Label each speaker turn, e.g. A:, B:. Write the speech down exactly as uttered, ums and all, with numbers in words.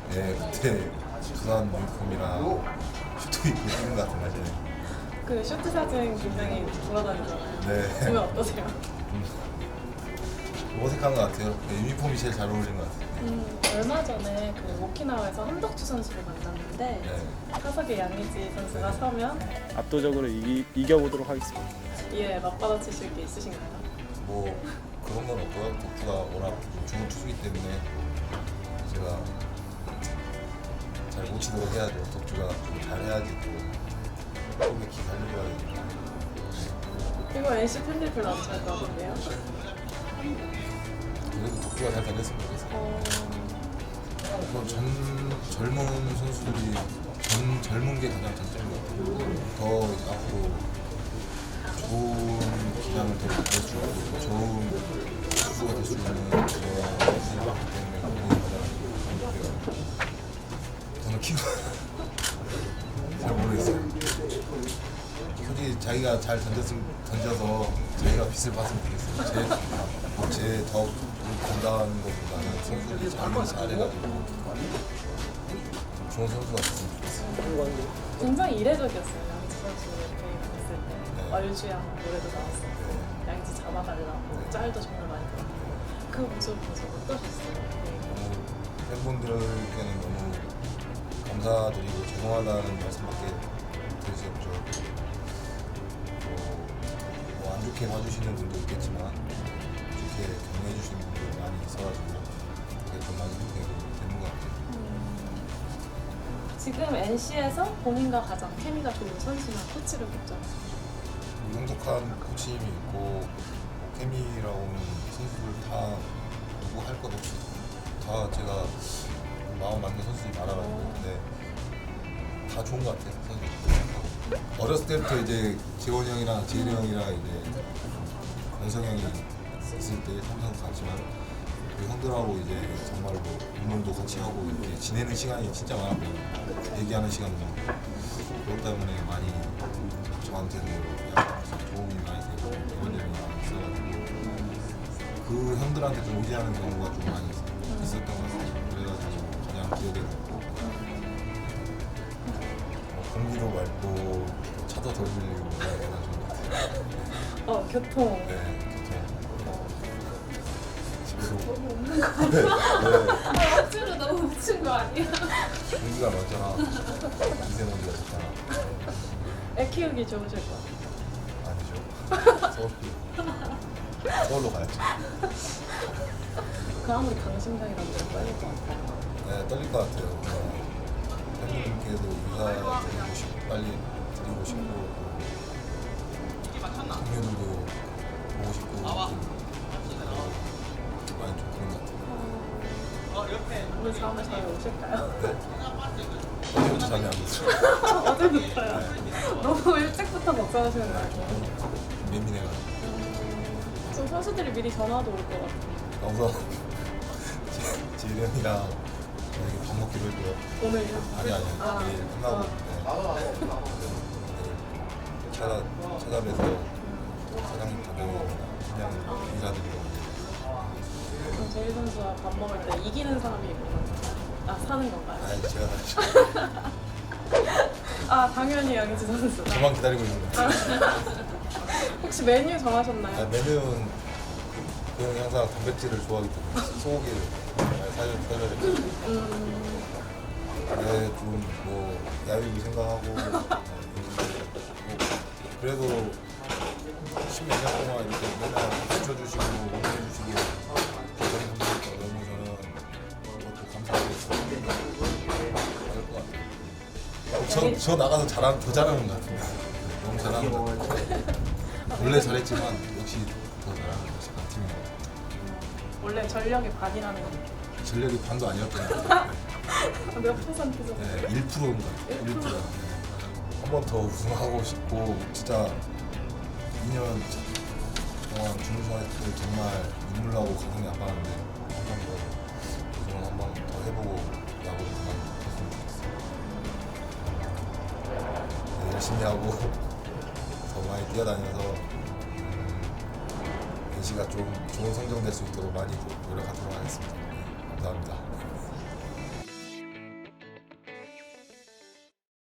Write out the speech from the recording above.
A: 네, 그때 부산 유니폼이랑 슈트 입고 뛰는 것 같은 사진.
B: 그 슈트 사진 굉장히 돌아다니잖아요.
A: 네.
B: 보면 어떠세요?
A: 어색한 것 같아요. 네, 유니폼이 제일 잘 어울리는 것 같아요.
B: 음, 얼마 전에 그 오키나와에서 한덕주 선수를 만났는데
A: 네.
B: 타석에 양의지 선수가 서면
C: 압도적으로 이기, 이겨보도록 하겠습니다.
B: 이에 맞받아치실 게 있으신가요?
A: 뭐 그런 건 없고요. 덕주가 워낙 좋은 투수이기 때문에 제가 잘 못 치도록 해야죠. 덕주가 좀 잘해야지 또 꿈에 기 살려줘야 되니까.
B: 이거 엔씨 팬들 별로 안 좋아할 것 같은데요?
A: 그래도 덕주가 잘 던졌으면 좋겠어요.
B: 어...
A: 뭐 전, 젊은 선수들이 전, 젊은 게 가장 장점인 것 같아요. 더 이제 앞으로 좋은 기량을 더 보여주고 더 좋은 투수가 될 수 있는 그런 선수들이 많기 때문에 그게 가장 목표예요. 저는 키가 잘 모르겠어요. 솔직히 자기가 잘 던졌으면, 던져서 자기가 빚을 봤으면 좋겠어요. 제, 제더 건강한 것보다는 선수들이 자기가 잘해가지고 좋은 선수가 됐으면 좋겠어요.
B: 굉장히 이례적이었어요. 양의지 선수 이렇게 봤을 때
A: 네.
B: 얼주양 노래도 나왔어요. 양의지 잡아달라고
A: 네.
B: 짤도 정말 많이 들었고 그 모습을 보면서 어떠셨어요? 네.
A: 너무 팬분들께는 너무 감사드리고 죄송하다는 말씀밖에 드릴 수 없죠. 뭐 안 좋게 봐주시는 분도 있겠지만 좋게 격려해 주시는 분도 많이 있어가지고 그게 더 많이 되는 것 같아요.
B: 지금 엔씨에서 본인과 가장 케미가 좋은 선수나 코치를 꼽자면
A: 성숙한 코치님이 있고 뭐 케미라고 하는 선수들 다 누구 할 것 없이 다 제가 마음 맞는 선수들이 많아가지고 근데 다 좋은 것 같아요. 선수들. 어렸을 때부터 이제 재원이 형이랑 재일이 형이랑 이제 권성 형이 있을 때 삼성 갔지만 그 형들하고 이제 정말로 운동도 같이 하고 이렇게 지내는 시간이 진짜 많았고 얘기하는 시간도 많고 그것 때문에 많이 저한테도 도움이 많이 되고 이런 점이 많이 있어가지고 그 형들한테 좀 의지하는 경우가 좀 많이 있었던 것 같아요. 그래가지고 가장 기억에 남고 어, 공기도 맑고 차도 덜 빌리고 그래야 되나 좋은 것 같아요.
B: 어 교통
A: 네, 집에서
B: 너무 없는 거
A: 네, 네.
B: 아, 억지로 너무 붙인 거 아니야?
A: 공기가 많잖아. 미세먼지가 좋잖아.
B: 애 키우기 좋으실 것 같아요.
A: 아니죠. 서울 서울로 가야지.
B: 그 아무리 강심장이라도 좀 떨릴 것 같아요.
A: 네, 떨릴 것 같아요. 어, 팬분께도 인사 드리고 싶고 빨리 드리고 싶고 동료들도 보고 싶고 좀, 어, 많이 좀 그런 것 같아요.
B: 오늘 다음에 저희 오실까요?
A: 어제부터 잠이 안 오죠.
B: 어제부터요. 너무 일찍부터 걱정하시는 거 아니에요?
A: 예민해가지고.
B: 좀 선수들이 미리 전화도 올 것 같아요.
A: 그래서 지일이 형이랑 저녁에 밥 먹기로 했고요.
B: 오늘요?
A: 아니 아니
B: 아,
A: 내일 끝나고
B: 아.
A: 네. 내일 찾아 찾아뵈서 사장님 가고 그냥 인사드리고
B: 그럼 제일 선수와 밥 먹을 때 이기는 사람이 있구나. 아 사는 건가요?
A: 아니 제가 사실
B: 아 당연히 양의지 선수.
A: 저만 기다리고 있는 거예요.
B: 혹시 메뉴
A: 아,
B: 정하셨나요?
A: 메뉴는 그 형이 항상 단백질을 좋아하기 때문에 소고기를 많이 사줘 사줘야 되고
B: 음,
A: 네, 좀뭐 야유기 생각하고 뭐, 그래도 십몇 년 동안 이렇게 맨날 붙여주시고 응원해주시고 그런 분들께 너무 저는 그것도 감사하고 그럴 것 같아요. 저, 저 나가서 잘하는 더 잘하는 것 같은데 너무 잘하는 것 같아요. 원래 잘했지만 역시 더 잘하는 것이 같은 팀인 것 같아요.
B: 원래 전력의 반이라는 거.
A: 전력이 반도 아니었던 것 같아요.
B: 몇 퍼센트죠?
A: 네, 일 퍼센트인 것 같아요. 일 퍼센트. 한 번 더 우승하고 싶고 진짜 이 년 동안 준우승했을 때 정말 눈물 나고 가슴이 아팠는데 한 번 더 우승을 한 번 더 해보고 야구를 그만뒀으면 좋겠어요. 네, 열심히 하고 더 많이 뛰어다녀서 음, 엔씨가 좀 좋은 성적 낼 수 있도록 많이 노력하도록 하겠습니다. 네, 감사합니다.